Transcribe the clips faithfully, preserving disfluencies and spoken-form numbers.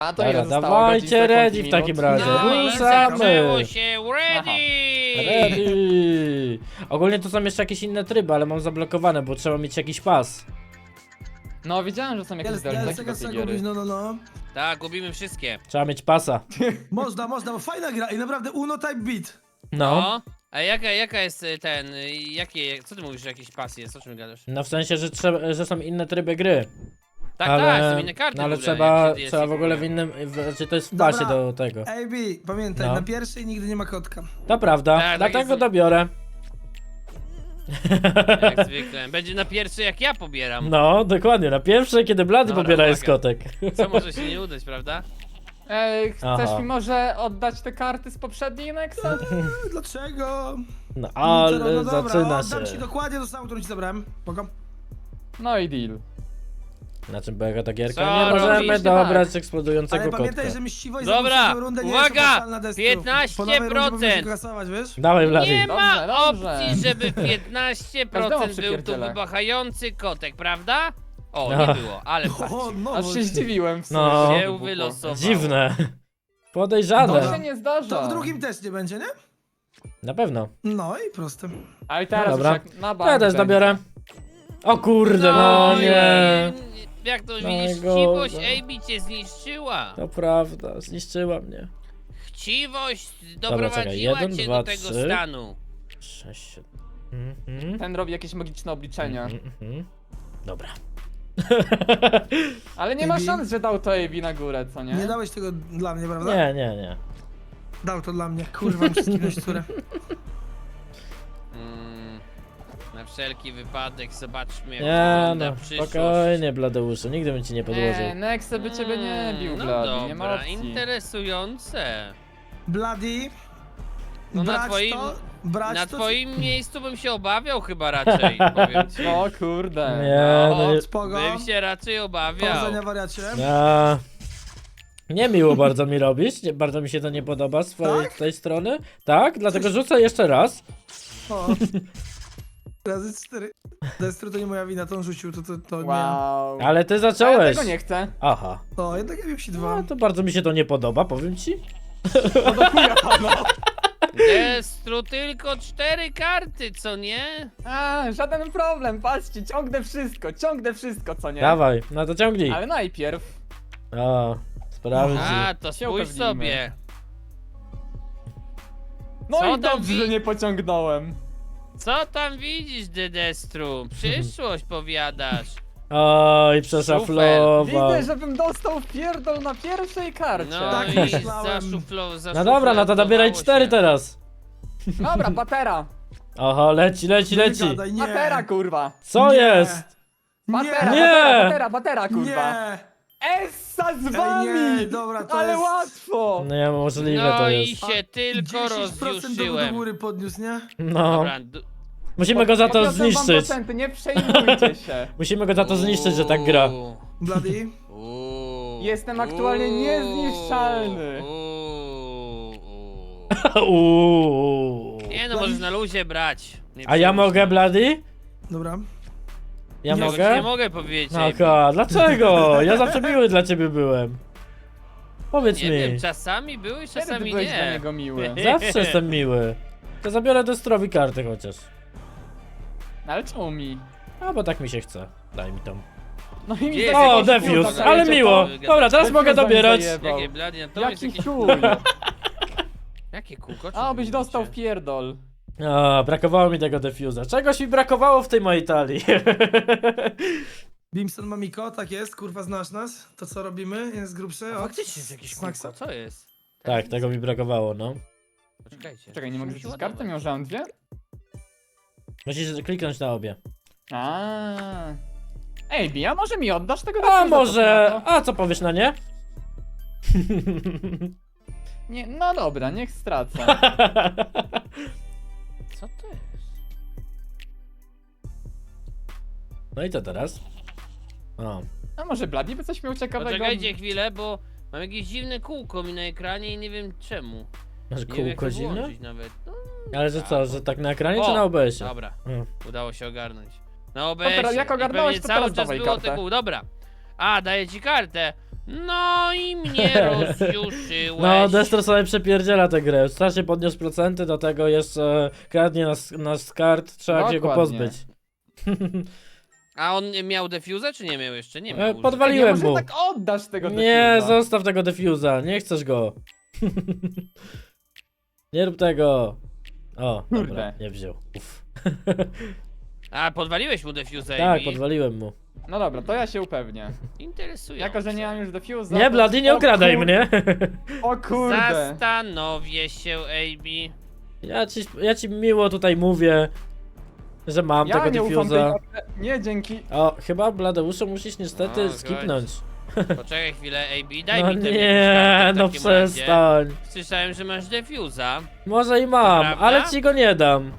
A to Dobra, ile zostało? dawajcie Godzin, sekund i ready w minut? takim razie. No i Ruszamy! zaczęło się, ready! Ready! Ogólnie to są jeszcze jakieś inne tryby, ale mam zablokowane, bo trzeba mieć jakiś pas. No widziałem, że są jakieś Jest, zdolności jest, do taka tej sekunda, giery. no, no, no. Tak, gubimy wszystkie. Trzeba mieć pasa. Można, można, bo fajna gra i naprawdę Uno Type Beat. No. No. A jaka, jaka jest y, ten, y, jakie, co ty mówisz, że jakiś pas jest, o czym gadasz? No w sensie, że, trzeba, że są inne tryby gry. Tak, ale, tak, są inne karty no, ale w ogóle, trzeba, jak się trzeba w ogóle w kupuje. innym, w, znaczy to jest w Dobra. pasie do tego. A B, pamiętaj, No. na pierwszej nigdy nie ma kotka. To prawda, Tak, tak dlatego jest. dobiorę. Jak zwykle. Będzie na pierwszy jak ja pobieram. No, dokładnie, na pierwszej, kiedy Blady Dobra, pobiera jest uwaga. kotek. Co może się nie udać, prawda? Ej, chcesz Aha. mi może oddać te karty z poprzedniej Nexa? Dlaczego? No No, ale no dobra, zaczyna oddam ci się. dokładnie to samo, którą ci zabrałem. Spoko. No i deal. Na czym polega ta gierka? Co Nie możemy robisz? dobrać Tak. eksplodującego Ale kotka. pamiętaj, że mściwość za Dobra, poprzednią rundę nie uwaga! jest opłacalna destru. piętnaście Po nowej rundzie procent. powinien się kasować, wiesz? Dawaj Blady. Nie ma Dobrze, dobrze. opcji, żeby piętnaście procent Każdemu był tu przypierdzielę. wybachający kotek, prawda? O, No. nie było, ale O, no, Aż się zdziwiłem w sumie. No. że się wybuchło. wylosowało. Dziwne. To Podejrzane. się nie zdarza. to w drugim też nie będzie, nie? Na pewno. No i proste. Ale teraz No już dobra. jak na bank Ja też będzie. dobiorę. O kurde, no i- nie. Jak to widzisz, Najgorzej. chciwość A B cię zniszczyła. To prawda, zniszczyła mnie. Chciwość czekaj, doprowadziła jeden, cię dwa, do tego trzy. stanu. Sześć, siedem. Mhm. Ten robi jakieś magiczne obliczenia. Mhm, mhm. Dobra. Ale nie ma A B? szans, że dał to A B na górę, co nie? Nie dałeś tego dla mnie, prawda? Nie, nie, nie. Dał to dla mnie. Kurwa, muszę skinąć które. Mm, na wszelki wypadek zobaczmy jak Nie wygląda no, przyszłość. spokojnie Bladeuszu, nigdy bym ci nie podłożył. Nie, Nexe by ciebie nie bił, no Blady, nie ma dobra, opcji. interesujące. Bloody. No na brać twoim- to, brać Na to, twoim miejscu bym się obawiał chyba raczej, powiem ci. O kurde. Nie, no No, nie. Spoko. Bym się raczej obawiał. Powodzenia wariacie. A, nie miło bardzo mi robić, nie, bardzo mi się to nie podoba z twojej Tak? tej strony. Tak, dlatego rzucę jeszcze raz. O. Razy cztery. Destru to nie moja wina, to on rzucił, to, to, to Wow. Ale ty A ja zacząłeś. tego nie chcę. Aha. nie. O, jednak ja wiem ci dwa. No to bardzo mi się to nie podoba, powiem ci. No do chuja, no. Destru tylko cztery karty, co nie? A, żaden problem, patrzcie, ciągnę wszystko, ciągnę wszystko, co nie? Dawaj, no to ciągnij. Ale najpierw. O, sprawdzi. A, to Się spójrz upewnimy. sobie. No Co i tam dobrze, wi- że nie pociągnąłem. Co tam widzisz, Dedestru? Przyszłość powiadasz. Oj, przeszaflował. Widzę, żebym dostał w pierdol na pierwszej karcie. No Tak i myślałem. zaszuflo, No dobra, no to dobieraj cztery się. teraz. Dobra, patera. Oho, leci, leci, Nie leci. gadaj, nie. Patera, kurwa. Co Nie. jest? Patera, Nie. patera, patera, patera, kurwa. Nie. Essa z wami! nie, dobra, to Ale jest- łatwo! No nie, możliwe No to i jest. się tylko dziesięć procent do, do rozjuszyłem. góry podniósł, nie? No, Dobra, du- musimy go za to Podniosłem wam zniszczyć. procenty, nie przejmujcie się. Musimy go za to zniszczyć, że tak gra. Uuu, Bloody. uuu, Jestem aktualnie uuu, niezniszczalny. uuu, uuu. Uuu. Nie no, możesz na luzie brać. Nie A ja przejmuj się. mogę, Blady? Dobra. Ja Tego ci mogę? Nie mogę powiedzieć. No ka, dlaczego? Ja zawsze miły dla ciebie byłem. Powiedz Nie mi. wiem, czasami były, Kiedy ty czasami byłeś dla nie. niego miły? Zawsze jestem miły. To zabiorę Destrowi kartę chociaż. Ale czemu mi? A bo tak mi się chce. Daj mi tą. No i mi Jest za- O, jakiś Defius, kurde, ale dajecie miło. to. Dobra, teraz Defiusa mogę mi dobierać. zajebał. Jakie blady, to jest Jaki jakieś... chuj. Jakie kółko? A, byś dostał w pierdol. A, brakowało mi tego defuza. Czegoś mi brakowało w tej mojej talii. Bimson Mamiko, tak jest, kurwa znasz nas. To co robimy? Jest grubszy. O, Faktycznie jest jakieś Smaksa. kółko, co jest? Tak, tego mi brakowało, no. Poczekajcie. Czekaj, nie mogę Musi rzucić karty? ładować. Miał, że mam dwie? Musisz kliknąć na obie. A. Ej, Bi, a może mi oddasz tego A Defusa, może... to na to? A co powiesz na nie? Nie, no dobra, niech stracę. Co to jest? No i co teraz? O. A może Bloody by coś miał ciekawego? Poczekajcie chwilę, bo mam jakieś dziwne kółko mi na ekranie i nie wiem czemu. Masz Nie wiem jak kółko to zimne? włączyć nawet. No, Ale że co, że tak na ekranie czy O, na O B S-ie? dobra, Mm. udało się ogarnąć. Na teraz O B S-ie. jak I ogarnąłeś, pewnie to cały teraz czas dawaj było te kartę. kół. Dobra. A, daję ci kartę. No i mnie rozjuszyłeś. No, Destro sobie przepierdziela tę grę. Strasznie podniósł procenty, do tego jeszcze kradnie nas, nas kart, trzeba się go Dokładnie. pozbyć. A on miał defuzę, czy nie miał jeszcze? Nie miał. E, użytego. podwaliłem Nie, mu. może tak oddasz tego Nie, defuza. zostaw tego defuza, nie chcesz go. Nie rób tego. O, dobra, Kurde. nie wziął. Uf. A, podwaliłeś mu defuzę, Tak, Amy? podwaliłem mu. No dobra, to ja się upewnię. Interesujące. Jako, że nie mam już defuza... Nie, to- Blady, nie o okradaj kur- mnie. O kurde. Zastanowię się, Amy. Ja ci, ja ci miło tutaj mówię, że mam Ja tego nie ufam tej defuza. karcie. Nie, dzięki. O, chyba Bladeuszu musisz niestety No, skipnąć. Poczekaj chwilę, Amy, daj No mi ten nie, no takim razie. przestań. Słyszałem, że masz defuza. Może i mam, Prawda? ale ci go nie dam.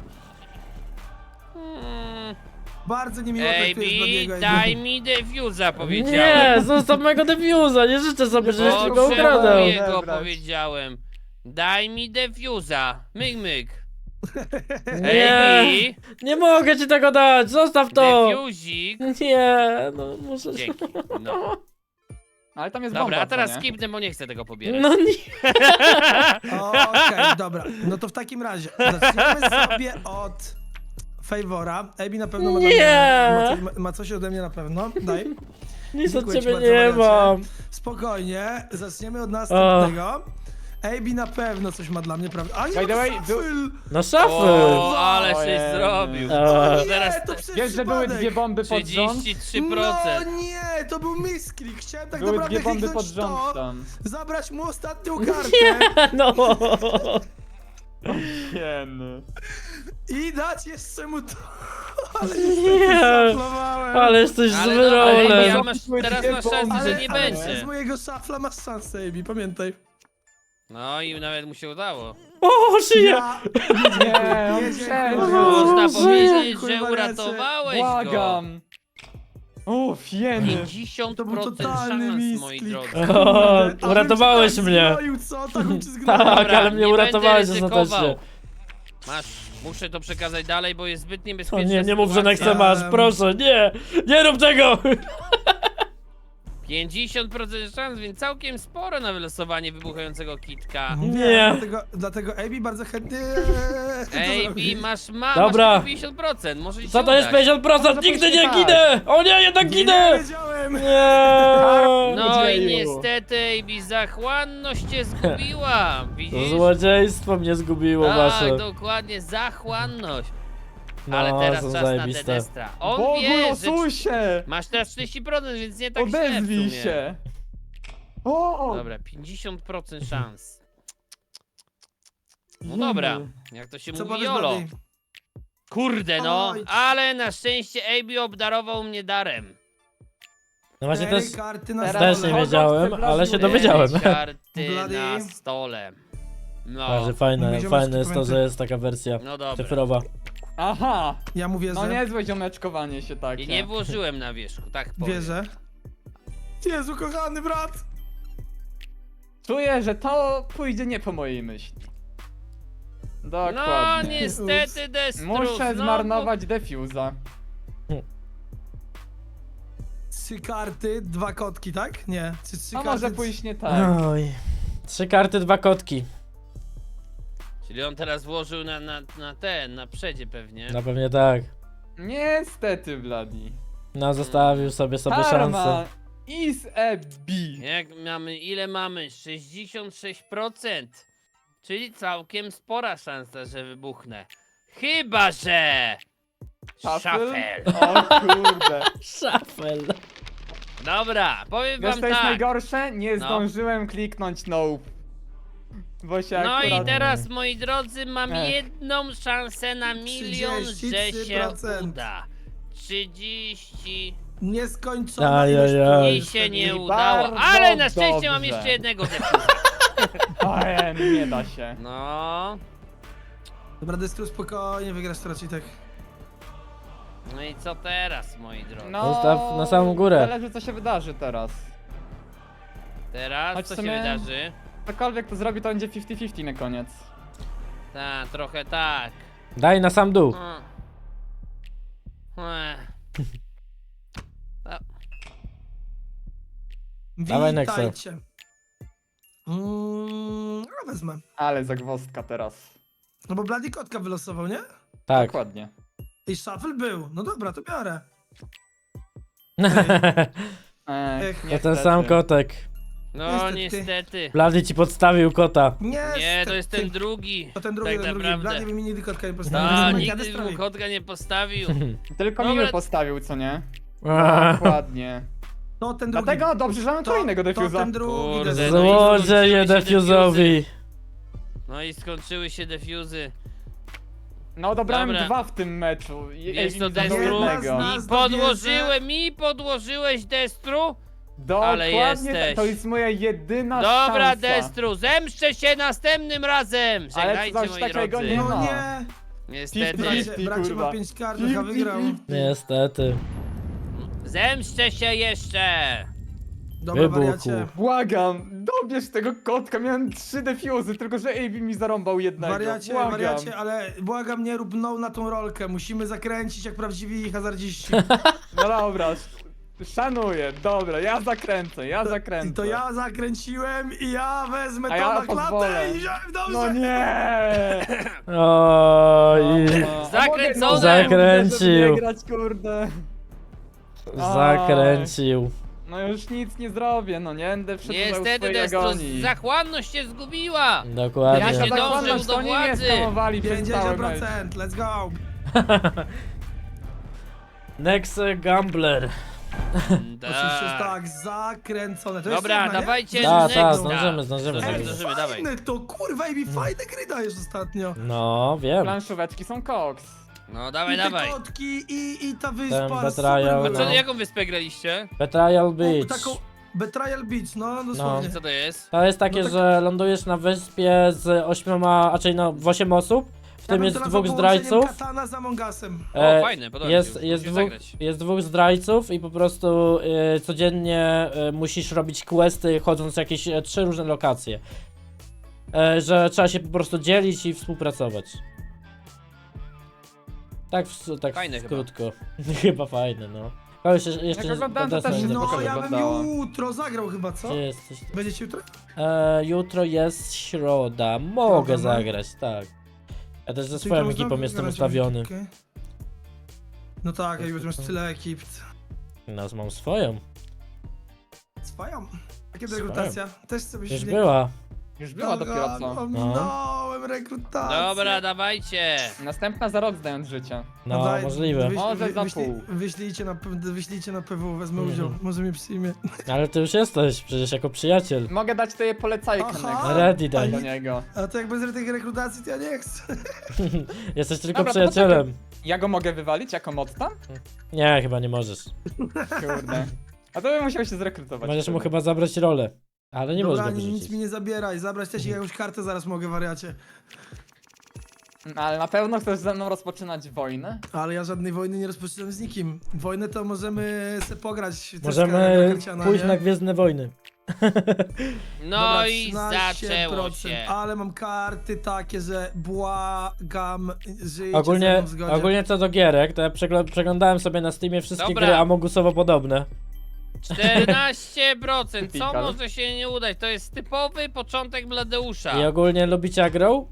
Hmm. Bardzo niemiło traktujesz Bladiego. Amy, daj mi defuza, powiedziałem. Nie, zostaw mojego defuza, nie życzę sobie, żebyś ci go ukradał. Potrzebuję go, Odebrać. powiedziałem. Daj mi defuza. Myk, myk. Nie, Amy, nie mogę ci tego dać, zostaw to. defuzik. Nie, no muszę się... Dzięki. No. Ale tam jest Dobra, bomba, a teraz co nie? skipnę, bo nie chcę tego pobierać. No nie. Okej, dobra. No to w takim razie zaczniemy sobie od Favora. Amy na pewno ma, dla Nie. mnie, ma, coś, ma coś ode mnie na pewno. Daj. Nic od Dziękuję ci ciebie bardzo, nie wariacie. mam. Spokojnie, zaczniemy od następnego. Amy na pewno coś ma dla mnie, prawda? A nie, By the to way, shuffle! No szafy. O, ale Ojej. się zrobił. A. Nie, Teraz to przez Wiesz, że były przypadek. dwie bomby pod rząd? trzydzieści trzy No procent. nie, to był misklik. Chciałem tak Były naprawdę dwie bomby pod kliknąć rząd to, tam. zabrać mu ostatnią kartę No. Hieny. i dać jeszcze mu to. Ale Nie. niestety szaflowałem. Ale jesteś Ale zły dobra, Amy, rolę. ja masz, teraz masz szansę, Ale, że nie ale będzie. z mojego szafla masz szansę, Amy, pamiętaj. No i nawet mu się udało. O, żyje. Ja... Nie, on Nie, przeżył. dziękuję. Można Boże. powiedzieć, Dziękuję, że wariacie. uratowałeś go. Błagam. Uff, hieny. pięćdziesiąt To był procent totalny szans, moi misklik. drodzy. O, A bym uratowałeś cię tak mnie. zgnoił, co? Tak bym cię zgnoił. Tak, Dobra, ale mnie nie uratowałeś będę ostatecznie. ryzykował. Masz, muszę to przekazać dalej, bo jest zbyt O niebezpieczne. nie, nie mów, że sytuacja. Nexemasz, proszę, nie! Nie rób tego! pięćdziesiąt procent szans, więc całkiem sporo na wylosowanie wybuchającego kitka. Nie. Dlatego, dlatego Amy bardzo chętnie... Ej, to zrobi. Bi, masz ma, Dobra. masz tylko pięćdziesiąt procent, może ci Co się to jest udać. pięćdziesiąt procent? Może Nigdy pójść nie tak. ginę! O nie, jednak Nie, ginę! nie wiedziałem! Nie! No i Dzieju. niestety, Ejbi, zachłanność cię zgubiła, widzisz? Złodziejstwo mnie zgubiło Tak, wasze. dokładnie, zachłanność. No, Ale teraz są czas na zajebiste. Dedestra. On Bogu, wie, że losuj się! masz teraz czterdzieści procent, więc nie tak źle w Odezwij sumie. się! O! Dobra, pięćdziesiąt procent szans. No dobra, jak to się Co mówi, powiesz, Jolo. Blady? Kurde no, Oj. ale na szczęście Ejbi obdarował mnie darem. No właśnie Cztery też, karty na Teraz też stole. nie wiedziałem, ale się dowiedziałem. Cztery karty Blady. na stole. No, Bardzo fajne, Ziomeczki, fajne jest to, pamiętaj. że jest taka wersja no dobra. cyfrowa. Aha! Ja mu wierzę. No niezłe ziomeczkowanie się takie. I nie włożyłem na wierzchu, tak powiem. Wierzę. Jezu, kochany brat! Czuję, że to pójdzie nie po mojej myśli. No Dokładnie. niestety Destrus, Muszę no, zmarnować defuza. Trzy karty, dwa kotki, tak? Nie. Trzy, trzy To karty. może pójść nie tak. Oj. Trzy karty, dwa kotki. bo- Czyli on teraz włożył na, na, na ten, na przedzie pewnie. No pewnie tak. Niestety, Bladi. No zostawił sobie sobie Karma szansę. is a B. Jak mamy, ile mamy? sześćdziesiąt sześć procent. Czyli całkiem spora szansa, że wybuchnę. Chyba, że... Szafel. O kurde. Szafel. Dobra, powiem Wiesz wam co jest tak. najgorsze? Nie No. zdążyłem kliknąć no. Bo się No akurat... i teraz, moi drodzy, mam Ech. jedną szansę na milion, że trzydzieści trzy się procent. uda. trzydzieści Nieskończona Ajajaj. ilość i punktów. się nie I udało, bardzo ale na szczęście mam dobrze. jeszcze jednego defuza. Ojej, nie da się. No, Dobra, Destru, spokojnie, wygrasz to raczej tak. no i co teraz, moi drodzy? No, Zostaw na samą górę. Zależy co się wydarzy teraz. Teraz Choć co w się sumie- wydarzy? Cokolwiek to zrobi, to będzie pięćdziesiąt pięćdziesiąt na koniec. Tak, trochę tak. Daj na sam dół. Mm. Ech. Dawaj, Nexa. Witajcie. Mm, ja wezmę. Ale zagwozdka teraz. No bo Bloody kotka wylosował, nie? Tak. Dokładnie. I shuffle był. No dobra, to biorę. Ech, Ech, To ten niestety. sam kotek. No Niestety. niestety. Blady ci podstawił kota. Nie, Nie, to jest ten drugi. To ten drugi, tak ten drugi. naprawdę. Bloody by mi nigdy kotka nie postawił. No, Jestem nigdy Destroy. mu kotka nie postawił. Tylko Dobra. miły postawił, co nie? Aaa. Dokładnie. To ten drugi. Dlatego dobrze, że mamy to, kolejnego to defuza. ten drugi. Kurde, Destroy. no i Złodzieje skończyły się defuzowi. No i skończyły się defuzy. No dobrałem Dobra. dwa w tym meczu. Je- Jest to Ej, zabrał Destru. jednego. Jedna Mi z- podłożyłeś, mi podłożyłeś Destru? Ale Dokładnie, jesteś. to jest moja jedyna Dobra, szansa. Destru, zemszczę się następnym razem! Ale Żegnajcie, coś moi takiego drodzy. nie No ma. nie. Niestety. Fifty. Bracie, bracie kurwa. ma pięć kart, a wygrał. Niestety. Zemszczę się jeszcze! Dobra, Wybuchu. wariacie. Błagam, dobierz tego kotka, miałem trzy defuzy, tylko że A B mi zarąbał jednego. Wariacie, Błagam. wariacie, ale błagam, nie rób no na tą rolkę. Musimy zakręcić jak prawdziwi hazardziści. No dobra, szanuję, dobra, ja zakręcę, ja zakręcę. I to ja zakręciłem i ja wezmę A to ja na klatę pozwolę. i wziąłem dobrze. No nie! Oj. No, a Zakręcone! mogę- Zakręcił. żeby nie grać, kurde. Zakręcił. No już nic nie zrobię, no nie będę wszedł Niestety, swojej Destru, agonii. zachłanność się zgubiła! Dokładnie. Ja Jaka się dążył zakładność, do to oni mnie władzy. skamowali przez cały pięćdziesiąt mecz. procent, let's go. Next Gambler. Oczywiście jest tak, zakręcone. To jest Dobra, jedna, nie? dawajcie Ta, next. ta, zdążymy, zdążymy. Zdążymy, Ej, zdążymy, dawaj. fajne to, kurwa, i mi fajne gry dajesz ostatnio. No, wiem. Planszóweczki są koks. No dawaj, I te dawaj. kotki, i, i ta Ten wyspa, betrayal, A super co, no. jaką wyspę graliście? Betrayal O, Beach. taką Betrayal Beach, no dosłownie. Co to jest? To jest takie, No tak- że lądujesz na wyspie z ośmioma, a czyli no w osiem osób. W Ja tym bym jest to nazwał dwóch połączeniem zdrajców. Katana z Among Usem. O, E, fajne, podoba mi Jest, się. jest, Musimy dwóch, zagrać. jest dwóch zdrajców i po prostu e, codziennie e, musisz robić questy chodząc w jakieś e, trzy różne lokacje. E, że trzeba się po prostu dzielić i współpracować. Tak w, tak Fajne w chyba. krótko. Chyba fajne, no. Kogoś jeszcze, jeszcze Jak oglądałem, to Bethesda też nie się No, spoko zobaczyłem. ja bym wyglądało. jutro zagrał chyba, co? Gdzie jesteś? Będziecie jutro? E, jutro jest środa, mogę Środa, no. zagrać, tak. Ja też ze Czyli swoją to można ekipą jestem wygrać, ustawiony. okej. No tak, jak już masz tyle ekip. Nas mam swoją. Swoją. Jakie to Swoją. rekrutacja? Też sobie Już się była. Już była dopiero co. Ominąłem rekrutację. Dobra, dawajcie. Następna za rok zdając życie. No, daj, możliwe. wyś- Może wy- za wyślij- pół. Wyślijcie na, wyślijcie na P W, wezmę Mhm. udział. Może mnie przyjmie. Ale ty już jesteś, przecież jako przyjaciel. Mogę dać tobie polecajkę Aha. Nexa, Ready daj. do niego. A to jak bez tych rekrutacji, to ja nie chcę. Jesteś tylko Dobra, to przyjacielem. Ja go mogę wywalić jako mod tam? Nie, chyba nie możesz. Kurde. A to bym musiał się zrekrutować. Możesz mu wtedy. chyba zabrać rolę. Ale nie Dobra, możesz go nic wyrzucić. mi nie zabieraj. Zabrać też jakąś kartę zaraz mogę, wariacie. Ale na pewno chcesz ze mną rozpoczynać wojnę? Ale ja żadnej wojny nie rozpoczynam z nikim. Wojnę to możemy se pograć. troszkę Możemy jako karciana, pójść nie? na Gwiezdne Wojny. No Dobra, i trzynaście zaczęło procent, się. Ale mam karty takie, że błagam, żyjcie ze Ogólnie, mną w zgodzie. ogólnie co do gierek, to ja przegl- przeglądałem sobie na Steamie wszystkie Dobra. gry Amogusowo podobne. czternaście procent. Co Typical. może się nie udać? To jest typowy początek Bladeusza. I ogólnie lubicie agro?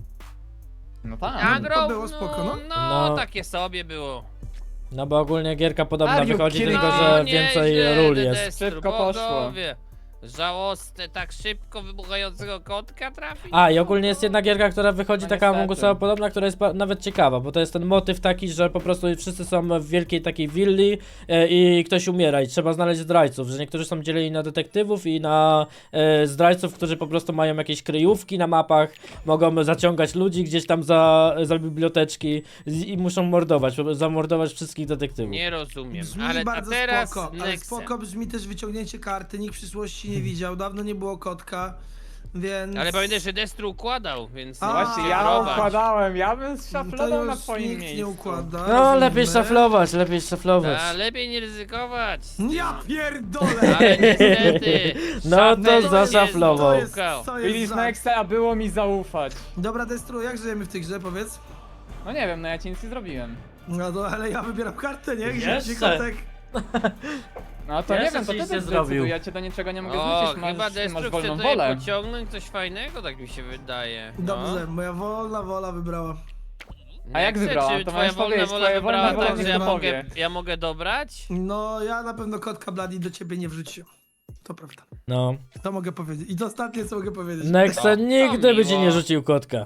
No tak. Agro, To było spoko, no. no, no No. takie sobie było. No bo ogólnie gierka podobna Are you wychodzi, kidding tylko me? że No, więcej nieźle, ról Destru, jest. Szybko poszło. bogowie. Żałosne, tak szybko wybuchającego kotka trafi? A, i ogólnie jest jedna gierka, która wychodzi No taka niestety. Amogusowo podobna, która jest ba- nawet ciekawa, bo to jest ten motyw taki, że po prostu wszyscy są w wielkiej takiej willi e, i ktoś umiera i trzeba znaleźć zdrajców, że niektórzy są dzieleni na detektywów i na e, zdrajców, którzy po prostu mają jakieś kryjówki na mapach, mogą zaciągać ludzi gdzieś tam za, za biblioteczki i, i muszą mordować, zamordować wszystkich detektywów. Nie rozumiem, Brzmi ale a bardzo teraz spoko, ale Nexem. spoko brzmi też wyciągnięcie karty, nikt w przyszłości nie widział, dawno nie było kotka, więc... Ale pamiętaj, że Destru układał, więc A, nie Właśnie, musicie ja próbować. układałem, ja bym to szaflował na już twoim nikt miejscu. nie układa. No, rozumiemy. lepiej szaflować, lepiej szaflować. A, lepiej nie ryzykować. Ja pierdolę! Ale niestety. No szafel to nie zaszaflował. To jest, złukał. to jest Widzisz za... Nexa, a było mi zaufać. Dobra, Destru, jak żyjemy w tej grze, powiedz? No nie wiem, no ja ci nic nie zrobiłem. No to, ale ja wybieram kartę, nie? Gdzie Jeszcze. ci kotek? No to Ja nie jeszcze wiem, to coś ty nie zdecyduj, zrobił. ja cię do niczego nie mogę O, zmusić, chyba masz, ty masz Destru chce wolną tutaj wolę. pociągnąć coś fajnego, tak mi się wydaje. No. Dobrze, moja wolna wola wybrała. A jak chcę, wybrała? Czy To twoja możesz wolna powiedzieć, wola twoja wolna wybrała wola tak, niech że ja to mogę, powie. ja mogę dobrać? No, ja na pewno kotka Bloody do ciebie nie wrzuciłem. To prawda. No. To mogę powiedzieć. I to ostatnie, co mogę powiedzieć. Nexe O, nigdy to by ci miło. nie rzucił kotka.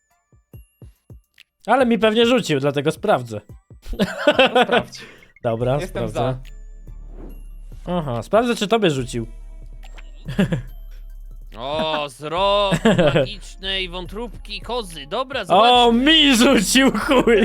Ale mi pewnie rzucił, dlatego sprawdzę. No, sprawdź. Dobra, Jestem sprawdzę. Aha, sprawdzę czy tobie rzucił. O, zrok magicznej wątróbki kozy. Dobra, O, zobacz. mi rzucił chuj!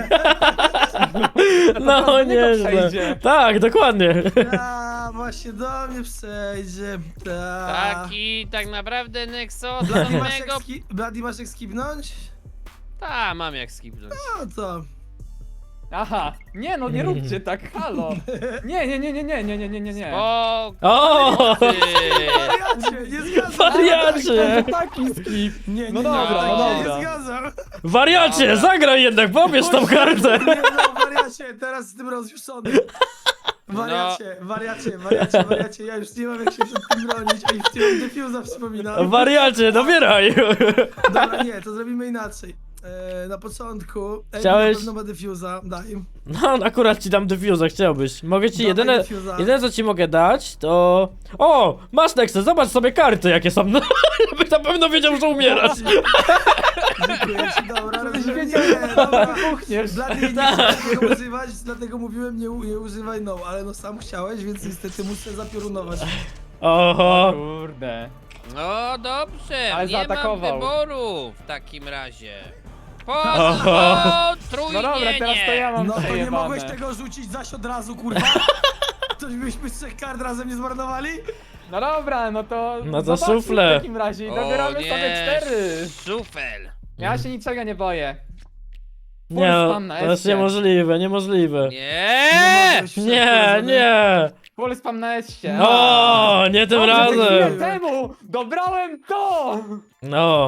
No do niego nieźle. przejdzie. Tak, dokładnie. A, właśnie do mnie przejdzie. Ta. Taki tak naprawdę Nexo Bloody masz, samego... jak ski... Bloody masz jak skipnąć? Ta, mam jak skipnąć. No to. Aha, nie no, nie róbcie tak, halo. Nie, nie, nie, nie, nie, nie, nie, nie, nie, nie. O, O! ty. Wariacie, nie zgadzam. Wariacie! To taki skip. Nie, nie, No nie, dobra, tak no się dobra. Nie zgadzam. Wariacie, Dobra. zagraj jednak, pobierz tą kartę! Nie no, wariacie, teraz jestem rozjuszony. Wariacie, wariacie, wariacie, wariacie, ja już nie mam jak się przed tym bronić, a i w tym defuza wspominam. Wariacie, dobieraj! Dobra, nie, to zrobimy inaczej. E, na początku, Ej, Chciałeś- na pewno ma defuza, daj im. No, akurat ci dam defuza, chciałbyś. Mogę ci Dawaj jedyne, defuza. jedyne co ci mogę dać, to... O! Masz Nexe, zobacz sobie karty jakie są. No, byś na pewno wiedział, że umierasz. Dziękuję ci, dobra, Żebyś rozumiem. wiedział, Nie, dobra. Puchniesz. Dla mnie nie chciałem tego używać, dlatego mówiłem nie, u- nie używaj no, ale no sam chciałeś, więc niestety muszę zapiorunować. Oho! Kurde. No dobrze, Ale nie mam zaatakował. wyboru w takim razie. Oho. No dobra, teraz to ja mam No to nie przejebane. mogłeś tego rzucić zaś od razu, kurwa? To byśmy z trzech kart razem nie zmarnowali? No dobra, no to... No to zobaczmy szufle. w takim razie i dobieramy sobie cztery. Szufel. Ja się niczego nie boję. Nie, Full spam na to jest S-cie. niemożliwe, niemożliwe. Nie. mogłeś wszedł Nie, powiedzony. nie! Full spam na S-cie. O, nie tym Dobrze, chwilę razem! temu dobrałem to! No,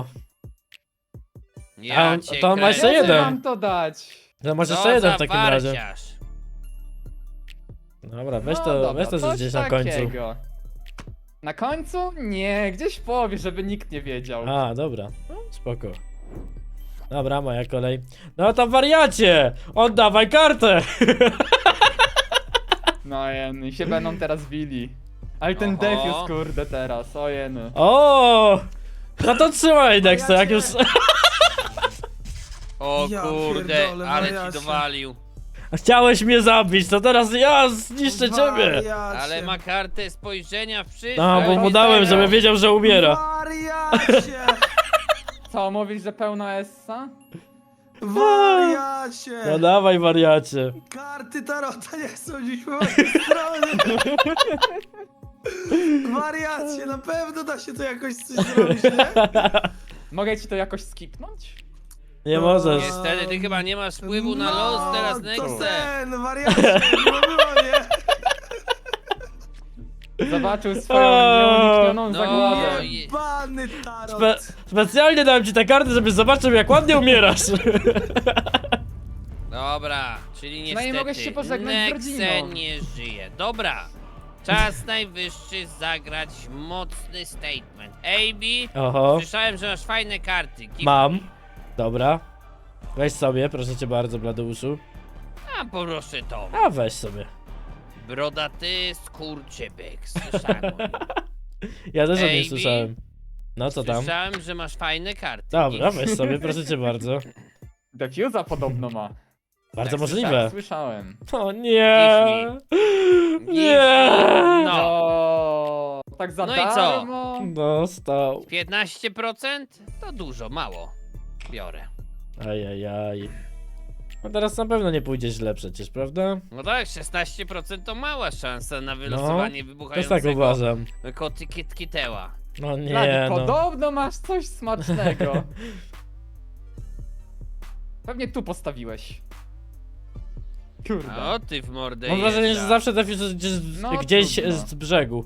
Ja A, cię to on ma jeszcze kręcę. Kiedy jeden. mam to dać? to masz Co jeszcze jeden za w takim razie. farciarz. Dobra, weź No to, dobra, weź to że coś gdzieś na końcu. takiego. Na końcu? Nie, gdzieś w połowie, żeby nikt nie wiedział. A, dobra, no, spoko. Dobra, moja kolej. No to wariacie! Oddawaj kartę! No jeny, i się będą teraz bili. Ale ten Oho. defuse kurde teraz, o jeny. O! No to trzymaj, Nexe, jak już... O Ja kurde, pierdolę, ale ci wariacie. dowalił. Chciałeś mnie zabić, to teraz ja zniszczę ciebie! Wariacie. Ale ma kartę spojrzenia w przyszłość. No, bo mu Oj, dałem, teraz. żeby wiedział, że umiera. Wariacie! Co, mówisz, że pełna essa? Wariacie! No dawaj, wariacie. Karty Tarota nie są dziś po mojej stronie! Wariacie, na pewno da się to jakoś coś zrobić, nie? Mogę ci to jakoś skipnąć? Nie możesz. Niestety, ty chyba nie masz wpływu na No, los teraz, to Nexe. ten, wariacie, nie było, nie? Zobaczył swoją O, nieuniknioną no zagładę. i- Jebany Tarot! Spe specjalnie dałem ci te karty, żebyś zobaczył, jak ładnie umierasz. Dobra, czyli No i niestety mogę się pożegnać z Nexe rodziną. nie żyje. Dobra, czas najwyższy zagrać mocny statement. A B, Oho, słyszałem, że masz fajne karty. Give mam. me. Dobra. Weź sobie, proszę cię bardzo, Bladeuszu. A proszę to. A weź sobie. Brodaty skurczybyk, słyszałem o nim. Ja też o niej Ej, słyszałem. No co tam? Słyszałem, że masz fajne karty. Dobra, Give weź sobie, proszę cię bardzo. Defuza podobno ma. Bardzo Tak, możliwe. Tak, słyszałem. O nie! Give Nie! No, No, tak za No i co? darmo? Dostał. piętnaście procent to dużo, mało. Biorę. Ajajaj. No teraz na pewno nie pójdzie źle przecież, prawda? No tak, szesnaście procent to mała szansa na wylosowanie Też wybuchającego tak uważam. koty kitkiteła. No Blady, nie no. podobno masz coś smacznego. Pewnie tu postawiłeś. Kurde. No ty w mordę Mam wrażenie, że jeżdża. zawsze trafisz gdzieś, z- No, gdzieś trudno. z brzegu.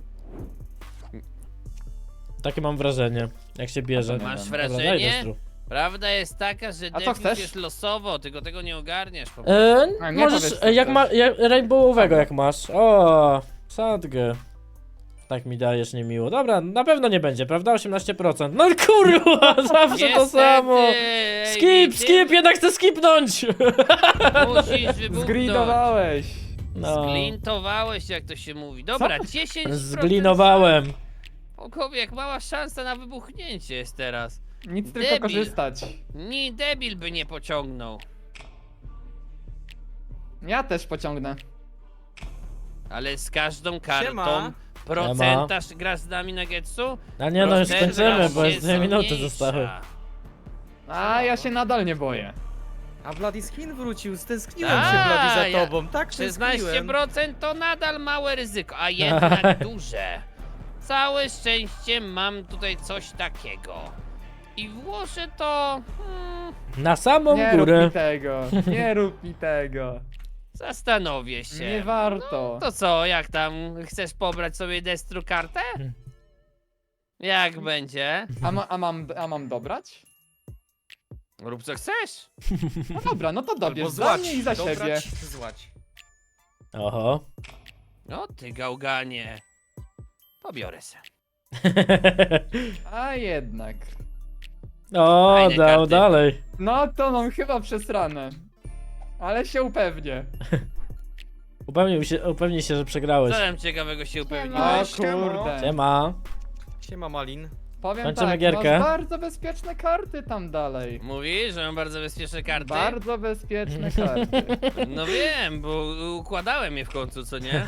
Takie mam wrażenie, jak się bierze. to Masz Dobra, Dobra, daj wrażenie? destru. Prawda jest taka, że A co defus chcesz? jest losowo, tylko tego nie ogarniasz po prostu. E, A, nie możesz, powiedz, co e, jak chcesz. ma, jak, rainbowowego jak masz. O, Sadgę. Tak mi dajesz niemiło. Dobra, na pewno nie będzie, prawda? osiemnaście procent. No kurwa, zawsze to Niestety, samo. ej, Skip, ty skip, jednak chcę skipnąć. Musisz wybuchnąć. Zgridowałeś. No. Zglintowałeś, jak to się mówi. Dobra, dziesięć procent. Zglinowałem. Okowie, jak mała szansa na wybuchnięcie jest teraz. Nic tylko Debil. korzystać. Ni debil by nie pociągnął. Ja też pociągnę. Ale z każdą kartą Siema. procentaż grasz z nami na Getsu? A nie no, już Procentaż kończymy, bo jest już dwie minuty mniejsza. zostały. A ja się nadal nie boję. A Bloody Skin wrócił, stęskniłem A, się Bloody za ja- tobą, tak szesnaście tęskniłem. procent to nadal małe ryzyko, a jednak duże. Całe szczęście mam tutaj coś takiego. I włożę to... Hmm, Na samą Nie rób górę. mi tego. Nie rób mi tego. zastanowię się. Nie warto. To co, jak tam? Chcesz pobrać sobie destru kartę? Jak będzie? A, ma, a, mam, a mam dobrać? Rób co chcesz. No dobra, no to Albo dobierz za złać, mnie i za dobrać, siebie. złać. Oho. No ty gałganie. Pobiorę se. A jednak. O, Fajne dał karty. dalej. No to mam chyba przesrane. Ale się upewnię. Upewnił się, upewnij się, że przegrałeś. Co tam ciekawego się O upewniłeś? kurde. Siema. Siema Malin. Powiem Kończymy tak, gierkę. masz bardzo bezpieczne karty tam dalej. Mówisz, że mam bardzo bezpieczne karty? Bardzo bezpieczne karty. No wiem, bo układałem je w końcu, co nie?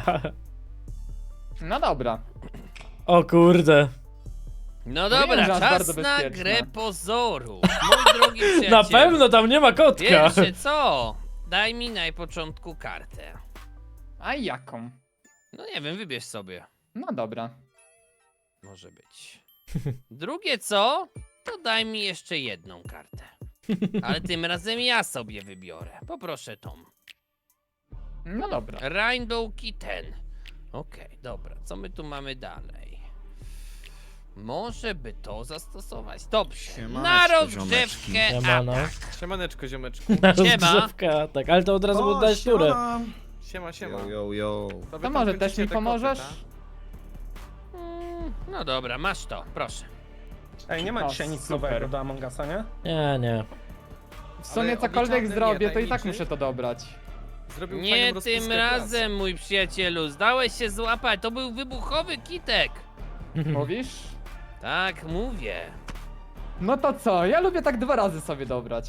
No dobra. O kurde. No Wiem, dobra, że masz czas bardzo na bezpieczne. grę pozorów. Mój drogi przyjaciel. Na pewno tam nie ma kotka. Pierwsze co? Daj mi na początku kartę. A jaką? No nie wiem, wybierz sobie. No dobra. Może być. Drugie co? To daj mi jeszcze jedną kartę. Ale tym razem ja sobie wybiorę. Poproszę tą. No dobra. Rainbow Kitten. Okej, dobra. Co my tu mamy dalej? Może by to zastosować? Dobrze. Siemaneczko, Na ziomeczki. rozgrzewkę Siemano. atak. Siemaneczko, ziomeczku. Na Siema. rozgrzewkę, tak, ale to od razu O, dać turę. siema. Siema, siema. Yo, yo, yo. wy To tam może kręcicie też mi te pomożesz? koty, tak? Mm, No dobra, masz to, proszę. Ej, nie ma O, dzisiaj nic super. nowego do Among Usa, nie? Nie, nie. W sumie Ale cokolwiek obliczalny zrobię, nie, to i tak tajemniczy? muszę to dobrać. Zrobił Nie fajną rozpiskę tym prac. razem, mój przyjacielu. Zdałeś się złapać. To był wybuchowy kitek. Mówisz? Tak, mówię. No to co? Ja lubię tak dwa razy sobie dobrać.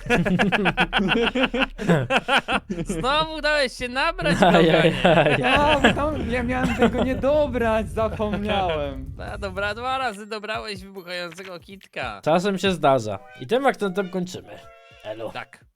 Znowu dałeś się nabrać, gałganie. Ajajaj. Ja, bo tam ja miałem tego nie dobrać, zapomniałem. No dobra, dwa razy dobrałeś wybuchającego kitka. Czasem się zdarza. I tym akcentem kończymy. Elo. Tak.